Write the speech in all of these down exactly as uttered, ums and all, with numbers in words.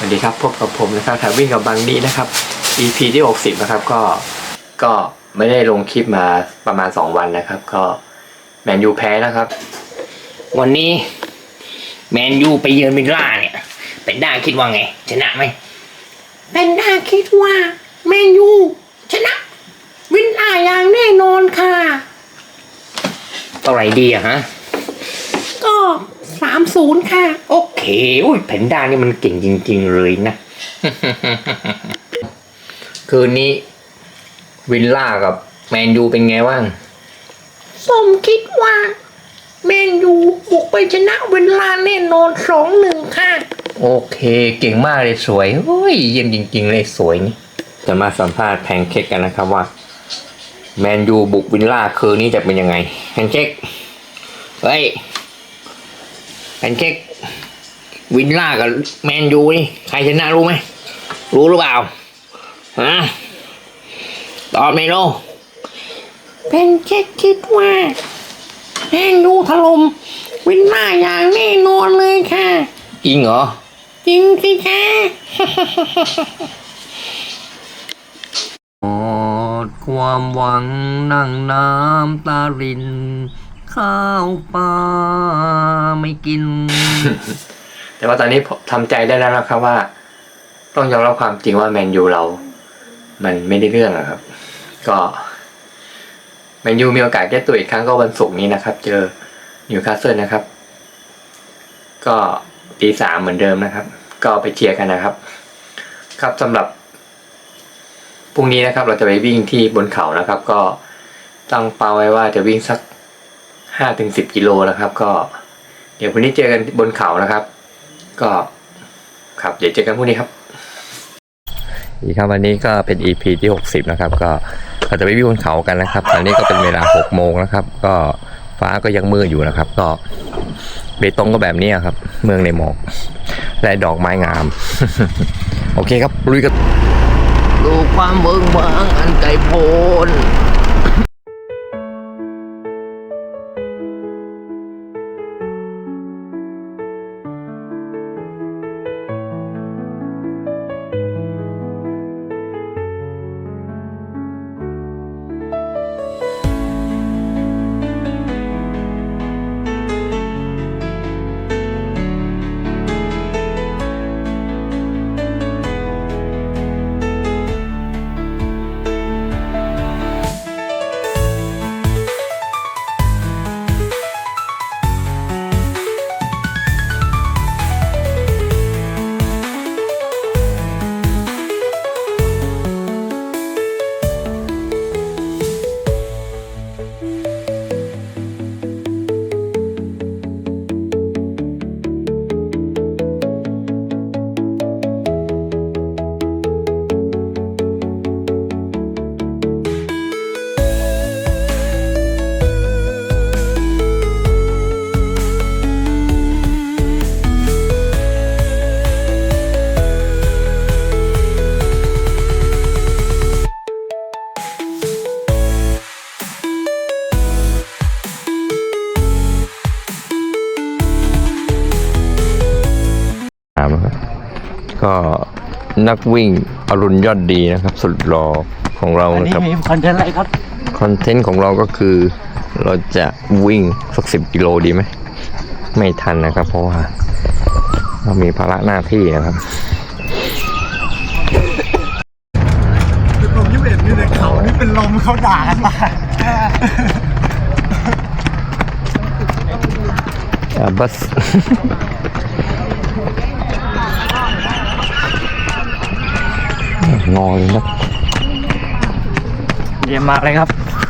วัสดีครับพบกับผมนะครับถ่ายวิ่งกับบังนี้นะครับ อี พี ที่หกสิบนะครับก็ก็ไม่ได้ลงคลิปมาประมาณสองวันนะครับก็แมนยูแพ้นะครับวันนี้แมนยูไปเยือนวิลล่าเนี่ยเป็นด้าคิดว่าไงชนะไหมเป็นด้าคิดว่าแมนยูชนะวิลล่าอย่างแน่นอนค่ะเท่าไหร่ดีอะฮะก็สามศูนย์ค่ะโอเคอุ้ยแพนด้านี่มันเก่งจริงๆเลยนะ คืนนี้วิลล่ากับแมนยูเป็นไงบ้างผมคิดว่าแมนยูบุกไปชนะวิลล่าแน่นอนสองหนึ่งค่ะโอเคเก่งมากเลยสวยโอ้ยเยี่ยมจริงๆเลยสวยนี่จะมาสัมภาษณ์แพนเค้กกันนะครับว่าแมนยูบุกวิลล่าคืนนี้จะเป็นยังไงแพนเค้กเฮ้ยแพนเค้กวิลล่ากับแมนยูนี่ใครชนะรู้ไหมรู้หรือเปล่าฮะตอบไม่รู้แพนเค้กคิดว่าแมนยูถล่มวิลล่าอย่างแน่นอนเลยค่ะจริงเหรอจริงสิค่ะหมดความหวังนั่งน้ำตารินข้าวปลาไม่กินแต่ว่าตอนนี้ทำใจได้แล้วนะครับว่าต้องยอมรับความจริงว่าแมนยูเรามันไม่ได้เรื่องอะครับก็แมนยูมีโอกาสแก้ตัวอีกครั้งก็วันศุกร์นี้นะครับเจอนิวคาสเซิลนะครับก็ตีสามเหมือนเดิมนะครับก็ไปเชียร์กันนะครับครับสำหรับพรุ่งนี้นะครับเราจะไปวิ่งที่บนเขานะครับก็ตั้งเป้าไว้ว่าจะวิ่งสักห้าถึงสิบกิโลนะครับก็เดี๋ยวพรุ่งนี้เจอกันบนเขานะครับก็ครับเดี๋ยวเจอกันพรุ่งนี้ครับอีกครับวันนี้ก็เป็น อี พี ที่หกสิบนะครับก็เราจะไปวิ่งบนเขากันนะครับตอนนี้ก็เป็นเวลาหกโมงนะครับก็ฟ้าก็ยังมืดอยู่นะครับก็เบตงก็แบบนี้ครับเมืองในหมอกและดอกไม้งาม โอเคครับลุยกันดูความเบิกบานอันไกลโพ้นก็นักวิ่งอรุณยอดดีนะครับสุดหล่อของเรานะครับมีคอนเทนต์อะไรครับคอนเทนต์ของเราก็คือเราจะวิ่งสักสิบกิโลดีไหมไม่ทันนะครับเพราะว่าเรามีภาระหน้าที่นะครับเป็นลมยี่สิบเอ็ดอยู่ในเขานี่เป็นลมเขาด่ากันมาอ่าบัสงอเลยนะเยี่ยมมากเลยครับ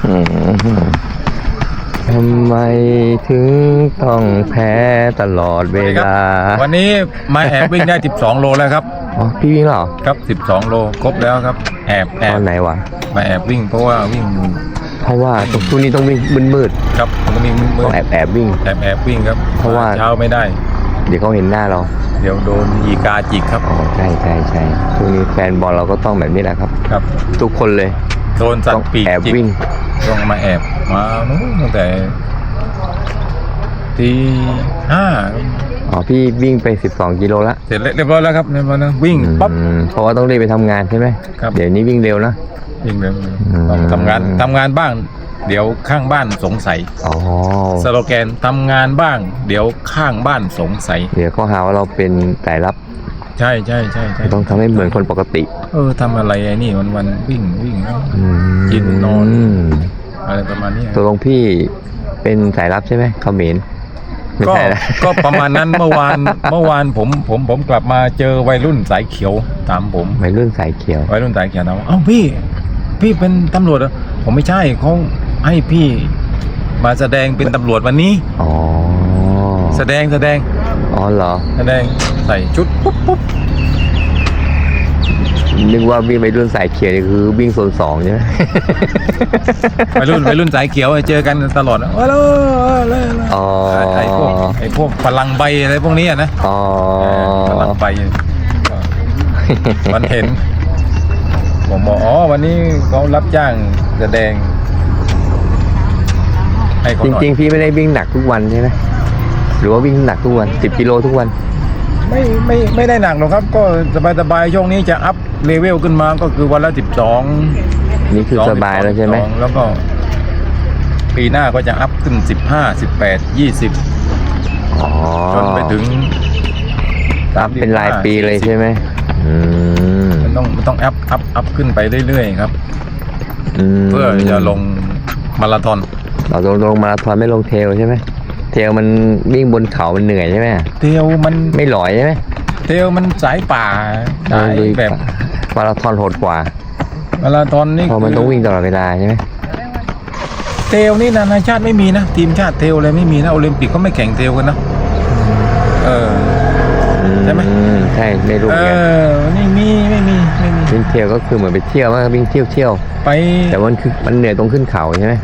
ทำไมถึงต้องแพ้ตลอดเวลาวันนี้มาแอบวิ่งได้สิบสองโลแล้วครับอ๋อพี่วิ่งเหรอครับสิบสองโลครบแล้วครับแอบแอบตอนไหนวะมาแอบวิ่งเพราะว่าวิ่งเพราะว่าตรงช่วงนี้ต้องวิ่งมืดๆครับต้องวิ่งมืดต้องแอบแอบวิ่งแอบแอบวิ่งครับเพราะว่าเช้าไม่ได้เดี๋ยวเขาเห็นหน้าเราเดี๋ยวโดนยีกาจิกครับอ๋อใช่ใช่ใช่ช่วงนี้แฟนบอลเราก็ต้องแบบนี้แหละครับครับทุกคนเลยโดนสัตว์ปีกแอบวิ่งต้องมาแอบมาตั้งแต่ตีห้าอ๋อพี่วิ่งไปสิบสองกิโลละเสร็จเรียบร้อยแล้วครับเรียบร้อยแล้ววิ่งปั๊บอืมเพราะว่าต้องรีบไปทำงานใช่ไหมครับเดี๋ยวนี้วิ่งเร็วนะวิ่งเร็วอืมต้องทำงานทำงานบ้าง เดี๋ยวข้างบ้านสงสัยอ๋อสโลแกนทำงานบ้าง เดี๋ยวข้างบ้านสงสัยเดี๋ยวเขาหาว่าเราเป็นสายลับใช่ใช่ใช่ใช่ต้องทำให้เหมือนคนปกติเออทำอะไรไอ้นี่วันวันๆวิ่งวิ่งอืมกินนอนอืมอะไรประมาณนี้ตกลงพี่เป็นสายลับใช่ไหมเขมรไม่ก็ใช่ละก็ประมาณนั้นเมื่อวานเมื่อวานผมผมผมกลับมาเจอวัยรุ่นสายเขียวตามผมวัยรุ่นสายเขียววัยรุ่นสายเขียวถามว่าเอ้าพี่ พี่เป็นตำรวจเหรอผมไม่ใช่เขาให้พี่มาแสดงเป็นตำรวจวันนี้อ๋อแสดงแสดงอ๋อเหรอแสดงใส่ชุดปุ๊บปุ๊บนึกว่าวิ่งวัยรุ่นสายเขียวนี่คือวิ่งโซนสองใช่ไหมวัยรุ่นวัยรุ่นสายเขียวเจอกันตลอดว่าแล้วอ๋อไอ้พวกไอ้พวกพลังใบอะไรพวกนี้อะนะอ๋อพลังใบก็มันเห็น ผมบอกอ๋อวันนี้เขารับจ้างแสดงให้เขาจหน่อยริงๆพี่ไม่ได้วิ่งหนักทุกวันใช่ไหมหรือว่าวิ่งหนักทุกวันสิบกิโลทุกวันไม่ไม่ไม่ได้หนักหรอกครับ ก็สบายสบายๆช่วงนี้จะอัพเลเวลขึ้นมาก็คือวันละสิบสองนี่คือสบายแล้วใช่ไหมแล้วก็ ปีหน้าก็จะอัพขึ้นสิบห้าสิบแปดยี่สิบอ๋อจนไปถึงรับเป็นรายปีเลยใช่ไหมอืมมันต้องมันต้องอัพอัพอัพขึ้นไปเรื่อยๆครับมเพื่อจะลงมาราธอนเราลงลงมาราธอนไม่ลงเทรลใช่ไหมเทรลมันวิ่งบนเขามันเหนื่อยใช่ไหมเทลมันไม่หลอยใช่ไหมเทลมันสายป่าสายลุยแบบมาราธอนโหดกว่ามาราธอนนี่เพราะมันต้องวิ่งตลอดเวลาใช่ไหมเทลนี่นานาชาติไม่มีนะ ทีมชาติเทลอะไรไม่มีนะโอลิมปิกก็ไม่แข่งเทลกันนะเออ ใช่ไหมอืมใช่ไม่รู้เอเหมือนกันอไม่มีไม่มีไม่มีวิ่งเที่ยวก็คือเหมือนไปเที่ยวมากวิ่งเที่ยวเที่ยวไปแต่มันคือมันเหนื่อยตรงขึ้นเขาใช่ไหม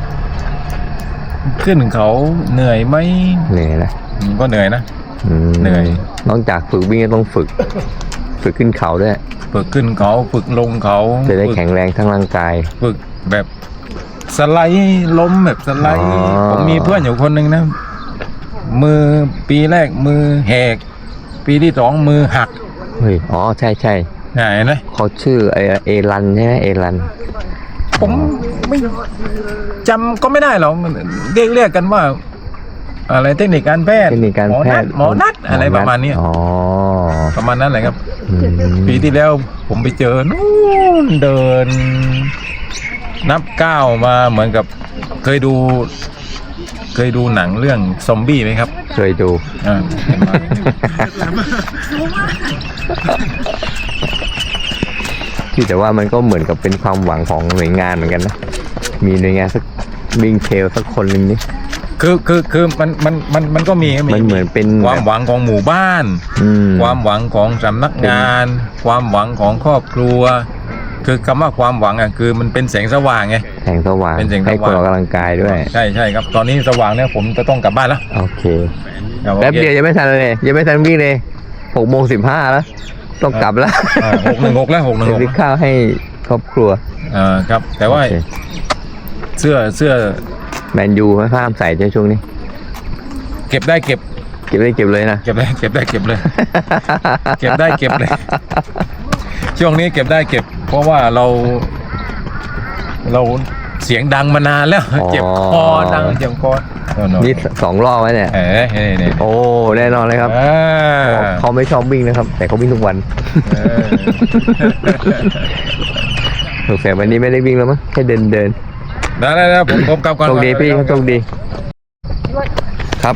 ขึ้นเขาเหนื่อยไหมเหนื่อยนะอืมก็เหนื่อยนะอืมเหนื่อยนอกจากฝึกวิ่งก็ต้องฝึก ฝึกขึ้นเขาด้วยฝึกขึ้นเขาฝึกลงเขาจะได้ฝึกแข็งแรงทั้งร่างกายฝึกแบบสไลด์ล้มแบบสไลด์อ๋อผมมีเพื่อนอยู่คนหนึ่งนะ มือปีแรกมือแหก ปีที่สองมือหักเฮ้ยอ๋อใช่ใช่เห็นไหมเขาชื่อไอเอรันใช่ไหมเอรันผมไม่จำก็ไม่ได้หรอกเรียกเรียกกันว่า อะไรเทคนิคการแพทย์เทคนิคการหมอแพนัทดย์หมอนัดอะไรประมาณเนี้ยอ๋อประมาณนั้นแหละครับอืมปีที่แล้วผมไปเจอนู่นเดิน นับก้าวมาเหมือนกับเคยดู เคยดูหนังเรื่องซอมบี้ไหมครับเคยดูอ่าที่แต่ว่ามันก็เหมือนกับเป็นความหวังของหน่วยงานเหมือนกันนะ มีหน่วยงานสักวิ่งเทรลสักคนหนึ่งนี่คือคือคือมันมันมันมันก็มีมันเหมือนเป็นความหวังของหมู่บ้านอืมความหวังของสำนักงาน ความหวังของครอบครัว คือคำว่าความหวังอ่ะคือมันเป็นแสงสว่างไงแสงสว่างเป็นแสงสว่างให้คนออกกำลังกายด้วยใช่ใช่ครับ ตอนนี้สว่างเนี่ยผมจะต้องกลับบ้านแล้วโอเคครับแป๊บเดียวยังไม่ทันเลยยังไม่ทันวิ่งเลยหกโมงสิบห้าแล้ว ต้องกลับแล้วหกหนึ่งหกแล้วหกหนึ่งจะหกซื้อข้าวให้ครอบครัวอ่าครับ แต่ว่าโอเคเสื้อเสื้อแมนยูไม่ห้ามใส่ในช่วงนี้เก็บได้เก็บเก็บได้เก็บเลยนะเก็บได้เก็บได้เก็บเลย เก็บได้เก็บเลย ช่วงนี้เก็บได้เก็บ เพราะว่าเรา เราเสียงดังมานานแล้วอ๋อเจ็บคอดังเจ็บคอโน่นๆนี่สองรอบไว้เนี่ยเอ้ยนี่นี่โอ้แน่นอนเลยครับอ่าเขาไม่ชอบวิ่งนะครับ แต่เขาวิ่งทุกวันเออสงสัยวันนี้ไม่ได้วิ่งแล้วมั้งแค่เดินเดินได้ได้ได้ผมผมกลับก่อนโชคดีพี่โชคดี ครับ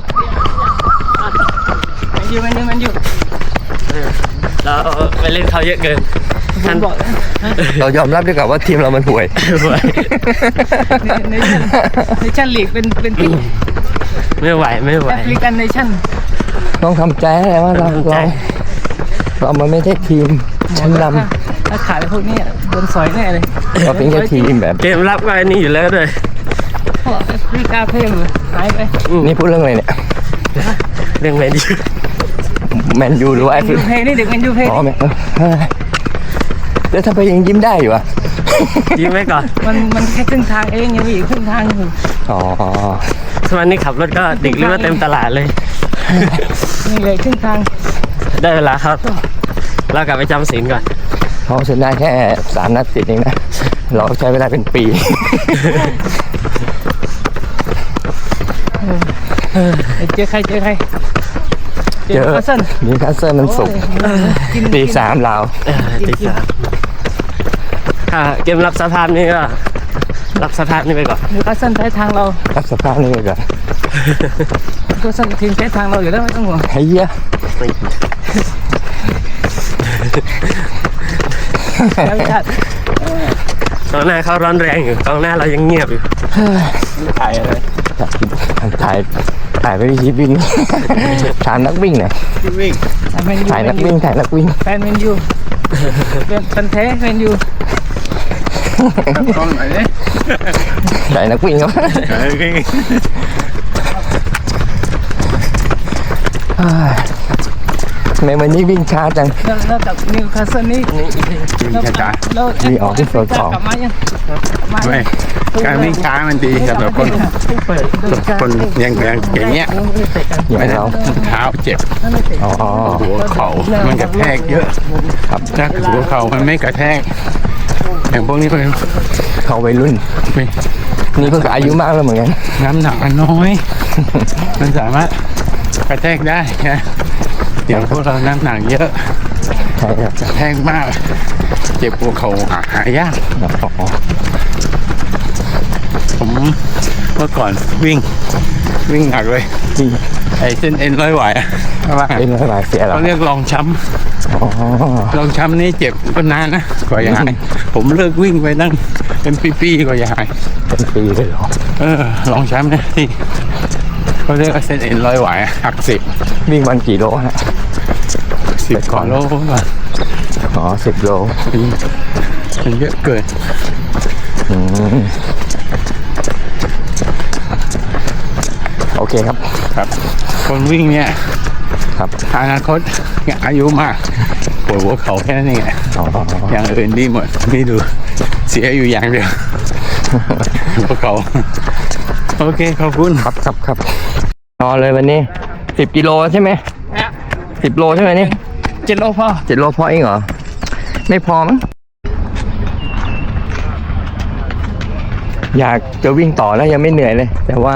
มันอยู่มันอยู่มันอยู่เราไปเล่นเขาเยอะเกินท่านบอกเรายอมรับด้วยกับว่าทีมเรามันห่วยในในชั้นในชั้นลีกเป็นเป็นที่ไม่ไหวไม่ไหวแอฟริกันในชั้นต้องทำใจให้ได้ว่าเราทำใจเราเรามันไม่ใช่ทีมชั้นนถ้าขายพวกนี้โดนสอยแน่เลยำเราเป็นแค่ทีมแบบเกมรับก็ไอ้นี่อยู่แล้วด้วยเพราะแอฟริกาเพิ่มหายไปนี่พูดเรื่องอะไรเนี่ยเรื่องแมนยูแมนยูหรือว่าไอ้ยูเพนี่เด็กมันยูเพอ๋อแมนเออแล้วทำไมยังยิ้มได้อยู่อ่ะยิ้มไว้ก่อนมันมันแค่ครึ่งทางเองยังมีอีกครึ่งทางอยู่อ๋อสมัยนี้ขับรถก็เด็กเลือดเต็มตลาดเลยนี่เลยครึ่งทางได้เวลาครับเรากลับไปจำศีลก่อนเขาชนะแค่สามนัดติดเองนะ เราใช้เวลาเป็นปีเจอใครเจอใครเจอคัสเซิลนิวคาสเซิลมันสุกร์ตีสามเราเออตีสามถ้าเกมรับสภาพนี่ก็รับสภาพนี่ไปก่อนนิวคาสเซิลใช้ทางเรารับสภาพนี่ไปก่อนนิวคาสเซิลทีมใช้ทางเราอยู่แล้วไม่ต้องห่วงไอ้เหี้ยแล้วชาติกองหน้าเขาร้อนแรงอยู่กองหน้าเรายังเงียบอยู่ถ่ายอะไรถ่ายถ่ายไปวิธีวิ่ง ถามนักวิ่งหน่อยแมนยูถ่ายนักวิ่งถ่ายนักวิ่งแฟนแมนยูเป็นแฟนแท้แมนยูกล้องไหนเนี่ยถ่ายนักวิ่งครับทำไมวันนี้วิ่งช้าจังแล้วแล้วกับนิวคาสเซิลนี่วิ่งช้าแล้วมีออกที่โซนสองกลับมายังมาๆไม่การวิ่งช้ามันดีสำหรับคนคนยังยังอย่างเงี้ยอย่างเราเท้าเจ็บอ๋อหัวเข่ามันกระแทกเยอะครับถ้าหัวเข่ามันไม่กระแทกอย่างพวกนี้เป็นเขาวัยรุ่นเป็นนี่เพิ่งอายุมากแล้วเหมือนกันน้ำหนักมันน้อย มันสามารถกระแทกได้นะอย่างพวกเราน้ำหนักเยอะใช่ครับกระแทกมาก เจ็บหัวเข่าหาหายากอ๋อผมเมื่อก่อนวิ่งวิ่งหนักเลยจริงไอ้เส้นเอ็นร้อยไหวอะว่าเป็นอะไรเสียเหรอเขาเรียกรองช้อ๋อำรองช้ำนี่เจ็บก็นานนะกว่าจะหายผมเลิกวิ่งไปตั้งเป็นปีๆกว่าจะหายเป็นปีเลยเหรอเออรองช้ำเนี่ยที่เขาเรียกว่าเส้นเอ็นร้อยไหวอะหักสิบวิ่งวันกี่โลฮะสิบกว่าโลก่อนอ๋อสิบโลมันเยอะเกินอืมโอเคครับครับ คนวิ่งเนี่ยครับอนาคตอายุมากปวดหัวเข่าแค่นั้นเองอะอ๋ออย่างอื่นดีหมดไม่ดูเสียอยู่อย่างเดียว หัวเข่าโอเคขอบคุณครับครับครับนอนเลยวันนี้สิบกิโลใช่ไหมสิบโลใช่ไหมนี่เจ็ดโลพอเจ็ดโลพอเองเหรอ ไม่พอมั้งอยากจะวิ่งต่อแล้วยังไม่เหนื่อยเลย แต่ว่า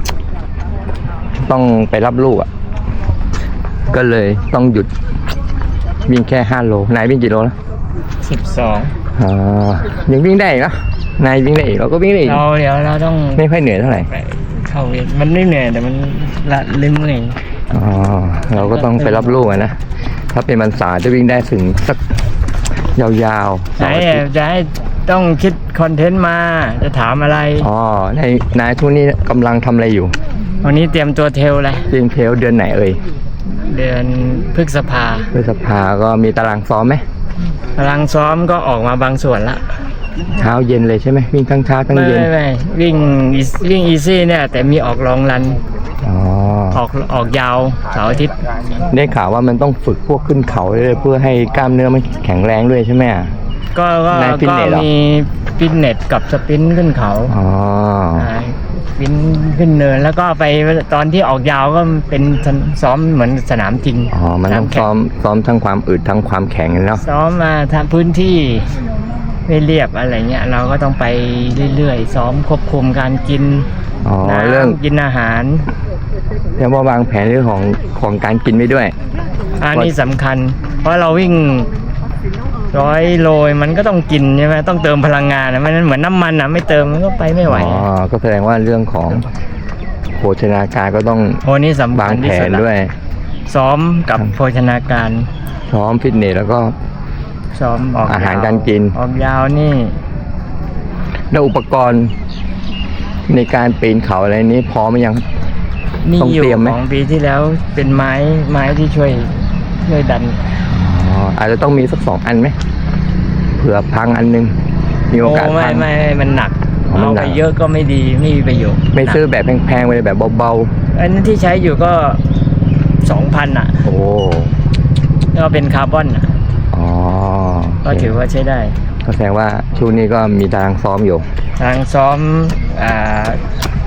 ต้องไปรับลูกอ่ะ ก็เลยต้องหยุดวิ่งแค่ห้าโลนายวิ่งกี่โลแล้วสิบสองอ่ายังวิ่งได้อีกเนอะนายวิ่งได้อีกเราก็วิ่งได้อีกเราเดี๋ยวเราต้องไม่ค่อยเหนื่อยเท่าไหร่เข้าเวรมันไม่เหนื่อยแต่มันละเล่มเมื่อยอ๋อเราก็ต้องไปรับลูกอะนะ ถ้าเป็นวันเสาร์จะวิ่งได้ถึงสักยาวๆไหนเสาร์อาทิตย์จะให้ต้องคิดคอนเทนต์มาจะถามอะไรอ๋อนายนายทุกนี้กำลังทำอะไรอยู่วันนี้เตรียมตัวเทลเลยเรียนเพลเดือนไหนเอ่ยเดือนพฤษภาพฤษภาก็มีตารางซ้อมไหมกำลังซ้อมก็ออกมาบางส่วนละเช้าเย็นเลยใช่ไหมวิ่งทั้งเช้าทั้งไม่เย็นไม่ไม่วิ่งวิ่งอีซี่เนี่ย แต่มีออกลองรันอ๋อออกออกยาวเสาร์อาทิตย์ได้ข่าวว่ามันต้องฝึกพวกขึ้นเขาเลยเพื่อให้กล้ามเนื้อมันแข็งแรงด้วยใช่ไหมอ่ะก็ก็ในฟิตก็เนสเหรอมีฟิตเนสกับสปรินต์ขึ้นเขาอ๋อาฟินขึ้นเนินแล้วก็ไปตอนที่ออกยาวก็เป็นซ้อมเหมือนสนามจริงอ๋อมันต้องสาแข่ซ้อมซ้อมทั้งความอึดทั้งความแข็งเนาะซ้อมมาทำพื้นที่ไม่เรียบอะไรเงี้ยเราก็ต้องไปเรื่อยๆซ้อมควบคุมการกินอ๋อน้เรื่องำกินอาหารเรียกว่าวางแผนเรื่องของของการกินไว้ด้วยอันนี้สำคัญ เพราะเราวิ่งร้อยโลมันก็ต้องกินใช่ไหมต้องเติมพลังงานนะมันเหมือนน้ำมันอ่ะไม่เติมมันก็ไปไม่ไหวอ๋อ ก็แสดงว่าเรื่องของโภชนาการก็ต้องโอ้นี่สำคัวางญแผที่สุนดละด้วยซ้อมกับโภชนาการซ้อมฟิตเนสแล้วก็ซ้อมออกอาหารยวการกินออกยาวนี่แล้วอุปกรณ์ในการปีนเขาอะไรนี้พร้อมหรือยังมีต้องอยู่เตรียมไหมของปีที่แล้วเป็นไม้ไม้ที่ช่วยช่วยดันอ๋อ อาจจะต้องมีสักสองอันไหมเผื่อพังอันนึง มีโอกาสโไม่พังไม่ไม่มันหนักอ๋อมันเอาหนัไปกเยอะก็ไม่ดีไม่มีประโยชน์ไม่ซื้อแบบแพงๆไปเลยแบบเบาอันนั้นที่ใช้อยู่ก็สองพันอ่ะๆ โอ้ก็เป็นคาร์บอนอ่ะอ๋อก็ถือว่าใช้ได้ก็แสดงว่าช่วงนี้ก็มีตารางซ้อมอยู่ทางซ้อมอ่า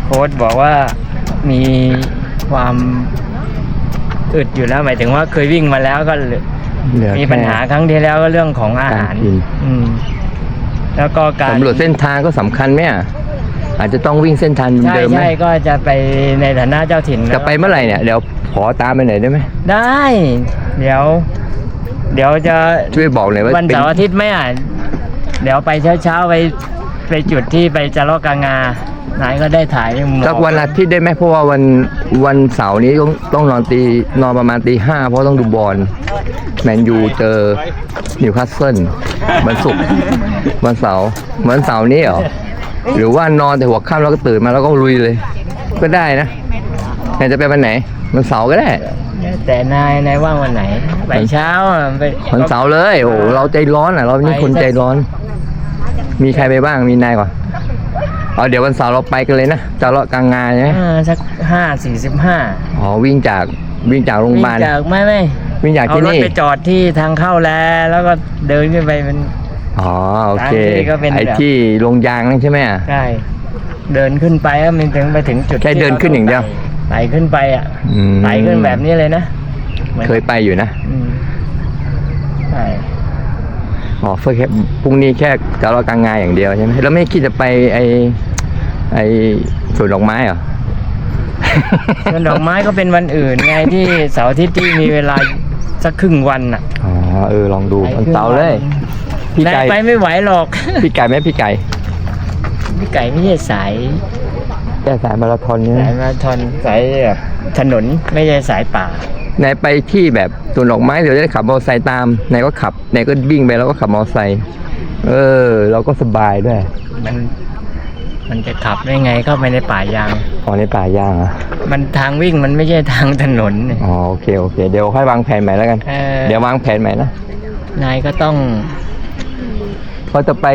โค้ชบอกว่ามีความอึดอยู่แล้วหมายถึงว่าเคยวิ่งมาแล้วก็เหลือมีแค่ปัญหาครั้งที่แล้วก็เรื่องของอาหารการกินอืมแล้วก็การสำรวจเส้นทางก็สำคัญไหมอ่ะอาจจะต้องวิ่งเส้นทางใช่เดิมไหมใช่ก็จะไปในฐานะเจ้าถิ่นจะไปเมื่อไหร่เนี่ยเดี๋ยวขอตามไปหน่อยได้ไหมได้ เดี๋ยว เดี๋ยวจะช่วยบอกหน่อยว่าวันเป็นเสาร์อาทิตย์ไหมอ่ะเดี๋ยวไปเช้าๆไปไปจุดที่ไปจาระกางานายก็ได้ถ่ายหมอกสักวันอาทิตย์ได้ไหมเพราะว่าวันวันเสาร์นี้ต้องต้องนอนตีนอนประมาณตีห้าเพราะต้องดูบอลแมนยูเจอนิวคาสเซิลวันศุกร์วันเสาร์วันเสาร์นี้เหรอหรือว่านอนแต่หัวค่ำแล้วก็ตื่นมาแล้วก็ลุยเลย ก็ได้นะไหนจะไปวันไหนวันเสาร์ก็ได้แต่นายนายว่างวันไหนไปเช้าอ่ะไปวันเสาร์เลยโอ้โหเราใจร้อนอ่ะเรานี่คนใจร้อน มีใครไปบ้างมีนายก่อนเอาเดี๋ยววันเสาร์เราไปกันเลยนะจะเลาะกลางงานใช่ไหมอ่าสักห้าสี่สิบห้าอ๋อวิ่งจากวิ่งจากโรงพยาบาลจากไม่ไม่วิ่งจากเอาที่รถนี่ไปจอดที่ทางเข้าแล้วแล้วก็เดินขึ้นไปเป็นอ๋อโอเคทางที่ก็เป็นไอ้แบบที่ลงยางนั่นใช่ไหมอ่ะใช่เดินขึ้นไปก็มันถึงไปถึงจุดแค่เดินขึ้นอย่างเดียวไต่ขึ้นไปอ่ะอืมไต่ขึ้นแบบนี้เลยนะหมือนเคยไปอยู่นะอืมใช่อ๋อเพื่อแค่พรุ่งนี้แค่จะเลาะกลางงานอย่างเดียวใช่ไหมแล้วไม่คิดจะไปไอไอสวนดอกไม้เหรอส่วนดอกไม้ก็เป็นวันอื่นไงที่เสาร์อาทิตย์ที่มีเวลาสักครึ่งวันอ่ะอ๋อเออลองดูวันเสาร์เลย พี่นายไก่ไปไม่ไหวหรอกพี่ไก่ไหมพี่ไก่พี่ไก่ไม่ใช่สายแกสายมาราธอนเนี่ยสายมาราธอนสายแบบถนนไม่ใช่สายป่าไหนไปที่แบบสวนดอกไม้เดี๋ยวจะได้ขับมอเตอร์ไซค์ตามไหนก็ขับไหนก็วิ่งไปแล้วก็ขับมอเตอร์ไซค์เออ เราก็สบายด้วยมันมันจะขับได้ไงเข้าไปในป่ายางอ๋อในป่ายางอ่ะมันทางวิ่งมันไม่ใช่ทางถนนเนี่ยอ๋อโอเคโอเคเดี๋ยวค่อยวางแผนใหม่แล้วกันเออเดี๋ยววางแผนใหม่นะนายก็ต้องเพราะจะไป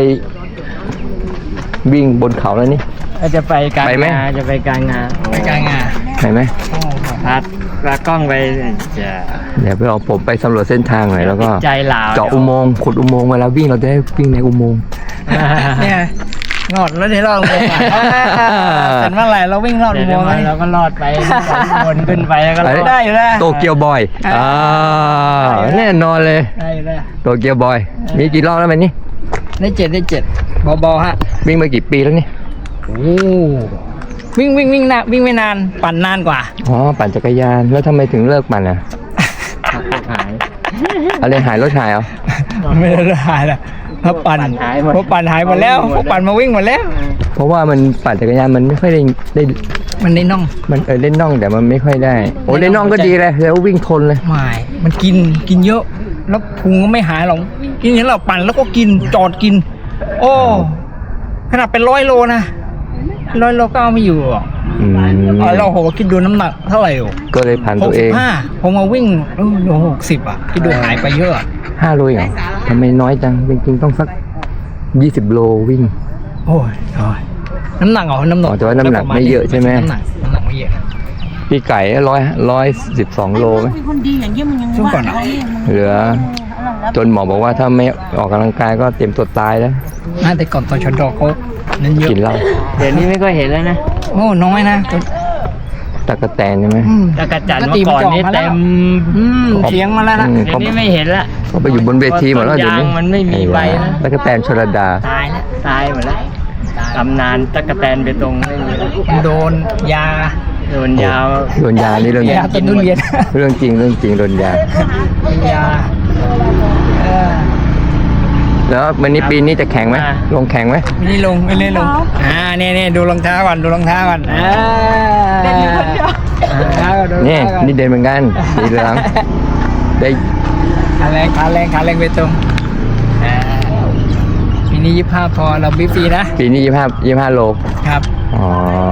วิ่งบนเขาแล้วนี่ก็จะไปการไปไหมงานจะไปการงานไปการงานไปไหมพัดปลากล้องไปจะเดี๋ยวไปเอาผมไปสำรวจเส้นทางหน่อยแล้วก็ใจหลาวเจาะอุโมงค์ขุดอุโมงค์เวลาวิ่งเราจะได้วิ่งในอุโมงค์เนี่ยงอดแล้วที่เราเสร็จเมื่อไหร่เราวิ่งรอดเดี๋อุยวโมงค์ไหมเราก็รอดไปวนขึ้นไปแล้วก็รอดได้อยู่แล้วโตเกียวบอยอ่าแน่นอนเลยได้เลยโตเกียวบอยมีกี่รอบแล้วมันนี่ได้เจ็ดได้เจ็ดเบาๆฮะวิ่งมากี่ปีแล้วนี่โอ้วิ่งวิ่งวิ่งนะวิ่งไม่นานปั่นนานกว่าอ๋อปั่นจักรยานแล้วทำไมถึงเลิกปั่นอ่ะหายอะไรหายรถหายเหรอไม่ได้หายละเพราะปั่นหายหมดเพราะปั่นหายหมดแล้วเพราะปั่นมาวิ่งหมดแล้วเพราะว่ามันปั่นจักรยานมันไม่ค่อยได้ได้มันในน่องมันเออเล่นน่องแต่มันไม่ค่อยได้โอ้เล่นน่องก็ดีเลยแล้ววิ่งทนเลยไม่มันกินกินเยอะ แล้วพุงก็ไม่หายหรอกกินอย่างเราปั่นแล้วก็กินจอดกิน โอ้ขนาดเป็นร้อยโลนะร้อยโลก็เอาไม่อยู่หรอกอืมเอาเราโหคิดดูน้ำหนักเท่าไหร่โอ้ก็เลยผ่านหตักวเอสิบงห้าผมมาวิ่งโอ้โหหกสิบอ่ะคิดดูหายไปเยอะอะห้าโลเหรอทำไมน้อยจังจริงๆต้องสักยี่สิบโลวิ่งโอ้ยโอ้ยน้ำหนักเหรอน้ำหนักอ๋อแต่ว่าน้ำหนักไม่เยอะใช่ไหมน้ำหนักน้ำหนักไม่เยอะพี่ไก่ร้อยร้อยสิบสองโลไหมเป็นคนดีอย่างเงี้ยมันยังช่วงก่อนอะเหลือ จนหมอบอกว่าถ้าไม่ออกกำลังกายก็เตรียมตัวตายแล้วน่าแต่ก่อนตอนชนดอกเขานั้นเยอะกินเหล้าเดี๋ยวนี้ไม่ค่อยเห็นแล้วนะโอ้น้อยนะตะกะแตนใช่ไหมอืมตะกะจันเมื่อก่อนนี่เต็มอืมเถียงมาแล้วนะอืมเดี๋ยวนี้ไม่เห็นละเขาไปอยู่บนเวทีหมดแล้วเดี๋ยวนี้ต้นยางมันไม่มีใบนะตะกะแตนชลดาตายแล้วตายหมดแล้วตำนานตะกะแตนไปตรงไม่มีแล้วโดนยาโดนยาวโดนยานี่เรื่องยาต้นทุเรียนเรื่องจริงเรื่องจริงโดนยายาเออแล้ววันนี้ปีนี้จะแข่งไหมลงแข่งไหมไม่ได้ลงไม่ได้ลงอ่าเนี่ยเนี่ยดูรองเท้าก่อนดูรองเท้าก่อนอ่าเด่นอยู่คนเดียวนี่นี่เด่นเหมือนกันสีเหลืองได้ขาแรงขาแรงขาแรงไปตรงอ่าปีนี้ยี่ห้าพอเราบีฟรีนะปีนี้ยี่ห้ายี่ห้าโลครับอ๋อน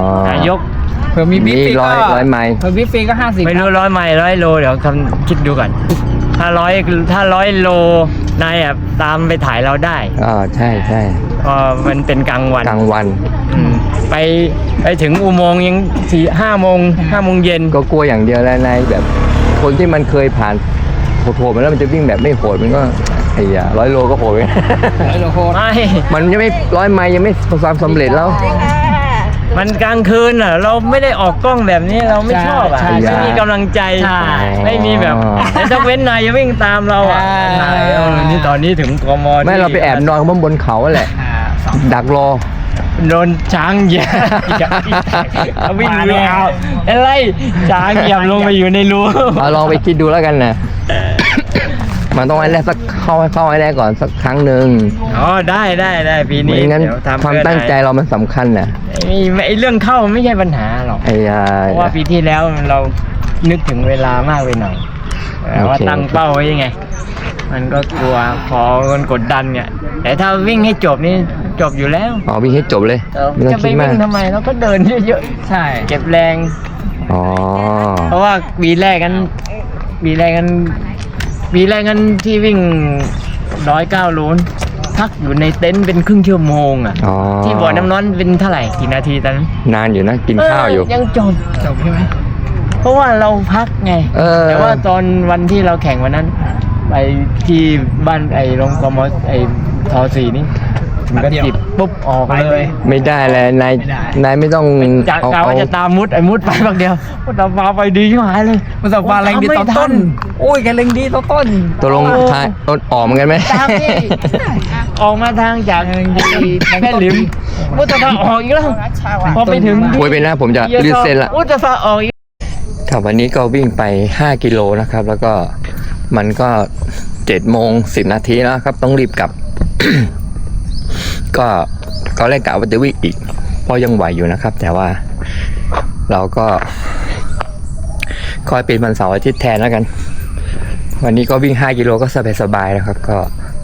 ายกเผื่อมีบีฟฟรีนี่ร้ก็อยร้อยไมล์เผื่อบีฟฟรีก็ห้าสิบไม่รู้ร้อยไมล์ร้อยโลเดี๋ยวคำคิดดูก่อนถ้าร้อยถ้าร้อยโลนายอ่ะตามไปถ่ายเราได้อ่าใช่ใช่เพอมันเป็นกลางวันกลางวันอืมไปไปถึงอุโมงค์ยังสี่ห้าโมงห้าโมงเย็นก็กลัวอย่างเดียวแล้วนายแบบคนที่มันเคยผ่านโหดๆมาแล้วมันจะวิ่งแบบไม่โหดมันก็ไอ้ยาร้อยโลก็โหดไปร้อยโลโคตรไม่มันยังไม่ร้อยไมล์ยังไม่ประสบความสำเร็จแล้วมันกลางคืนอ่ะ เราไม่ได้ออกกล้องแบบนี้เราไม่ชอบอ่ะใช่ใช่ไม่มีกำลังใจใช่ไม่มีแบบแต่ถ้าเว้นนายจะวิ่งตามเราอ่ะใช่นายเออนี่ตอนนี้ถึงกมไม่เราไปแอบนอนข้างบนเขาแหละอ่าสองดักรอโดนช้างเหยียบเอาวิ่งเรือเอาอะไรช้างเหยียบลงไปอยู่ในรูเอาลองไปคิดดูแล้วกันนะ มันต้องให้แรกสักเข้าให้เข้าให้แรกก่อนสักครั้งหนึ่งอ๋อได้ได้ได้ปีไม่นี้งั้นเดี๋ยวทำความเพื่อตั้งใจนายเรามันสำคัญนะไอ้ไอ้เรื่องเข้าไม่ใช่ปัญหาหรอกไอ้ยาเพราะว่าปีที่แล้วเรานึกถึงเวลามากไปหน่อยแต่ว่าโอเคตั้งเป้าไว้ยังไง มันก็กลัวพอมันกดดันเนี่ยแต่ถ้าวิ่งให้จบนี่จบอยู่แล้วอ๋อวิ่งให้จบเลยเออไม่ต้อจะงไปคิดมาวิ่กงทำไมเราก็เดินเยอะใช่ๆเก็บแรงอ๋อเพราะว่าปีแรกกันปีแรกกันปีแรกกันที่วิ่งร้อยเก้าโลพักอยู่ในเต็นท์เป็นครึ่งชั่วโมงอ่ะอ๋อที่บ่อน้ำร้อนเป็นเท่าไหร่กี่นาทีตอนนั้นนานอยู่นะกินข้าวอยู่เยังจบจบใช่ไหมเพราะว่าเราพักไงเออแต่ว่าตอนวันที่เราแข่งวันนั้นไปที่บ้านไอ้โรงกมไอ้ทอสีนี่ถึงก็จิบปุ๊บออกเลยไม่ได้เลยนายไม่ได้นายไม่ต้องจากเอากาเอาว่าจะตามมุดไอ้มุดไปบางเดียวมุดตามมาไปดีที่หายเลยมันสับวาแรงดีตอนต้น โอ้ยแกแรงดีตอนต้นตัวลงท้ายต้นออกเหมือนกันไหมตามที่ออกมาทางจากแม่หลิมมุดตะฟาออกอีกแล้วพอไปถึงโวยไปนะผมจะลืดเส้นละมุดตะฟาออกอีกครับวันนี้ก็วิ่งไปห้ากิโลนะครับ แล้วก็มันก็เจ็ดโมงสิบนาทีแล้วครับ ต้องรีบกลับ ก็ก็แรกกะว่าจะวิ่งอีกเพราะยังไหวอยู่นะครับ แต่ว่าเราก็คอยเป็นวันเสาร์อาทิตย์แทนแล้วกัน วันนี้ก็วิ่งห้ากิโลก็สบายๆนะครับ ก็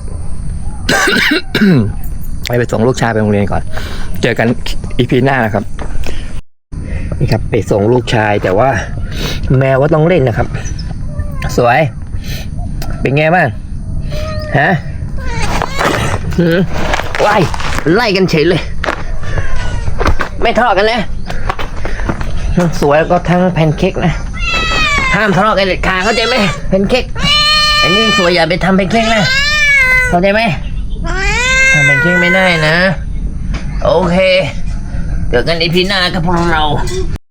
ไปไปส่งลูกชายไปโรงเรียนก่อน เจอกันอีพีหน้านะครับนี่ครับไปส่งลูกชายแต่ว่า แมวก็ต้องเล่นนะครับ สวย เป็นไงบ้างฮะหืมไล่ไล่กันเฉยเลย ไม่ทะเลาะกันนะทั้งสวยแล้วก็ทั้งแพนเค้กนะ ห้ามทะเลาะกันเด็ดขาดเข้าใจไหมแพนเค้กอันนี้สวยอย่าไปทำแพนเค้กนะเข้าใจไหมทำแพนเค้กไม่ได้นะ โอเคเจอกันอีพีหน้ากับพวกเรา